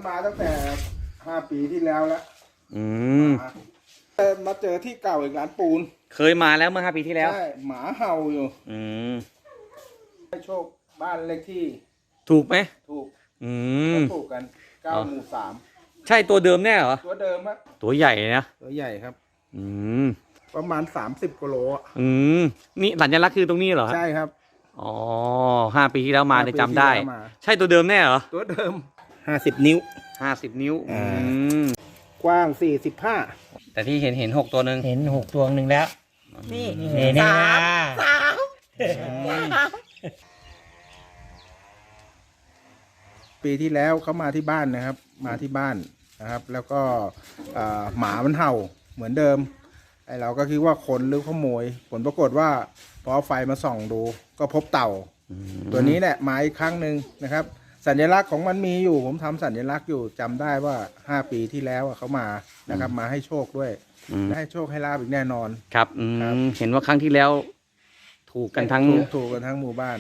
มาตั้งแต่5 ปีที่แล้วแล้วอืมมาเจอที่เก่าอีกร้านปูนเคยมาแล้วเมื่อ5 ปีที่แล้วใช่หมาเห่าอยู่อืมให้โชคบ้านเลขที่ถูกไหมถูกอืมถูกกัน9 หมู่ใช่ตัวเดิมแน่เหรอ 3ตัวเดิมฮะตัวใหญ่นะตัวใหญ่ครับอืมประมาณ30กิโลอะอืม นี่สัญลักษณ์คือตรงนี้เหรอใช่ครับอ๋อ5 ปีที่แล้วมาได้จำได้ 5 ปีที่แล้วมาใช่ตัวเดิมแน่เหรอตัวเดิม50 นิ้ว 50 นิ้ว อืมกว้าง45 แต่ที่เห็น6 ตัวหนึ่งเห็น6 ตัวหนึ่งแล้วนี่นี่สามปีที่แล้วเขามาที่บ้านนะครับ มาที่บ้านนะครับ แล้วก็หมามันเห่าเหมือนเดิมไอเราก็คิดว่าคนหรือขโมย ผลปรากฏว่าพอเอาไฟมาส่องดู ก็พบเต่า ตัวนี้แหละมาอีกครั้งหนึ่งนะครับ สัญลักษณ์ของมันมีอยู่ ผมทำสัญลักษณ์อยู่จำได้ว่า5 ปีที่แล้วเขามานะครับ มาให้โชคด้วยอืมและให้โชคให้ลาบอีกแน่นอนครับครับเห็นว่าครั้งที่แล้วถูกกันทั้งถูกกันทั้งหมู่บ้าน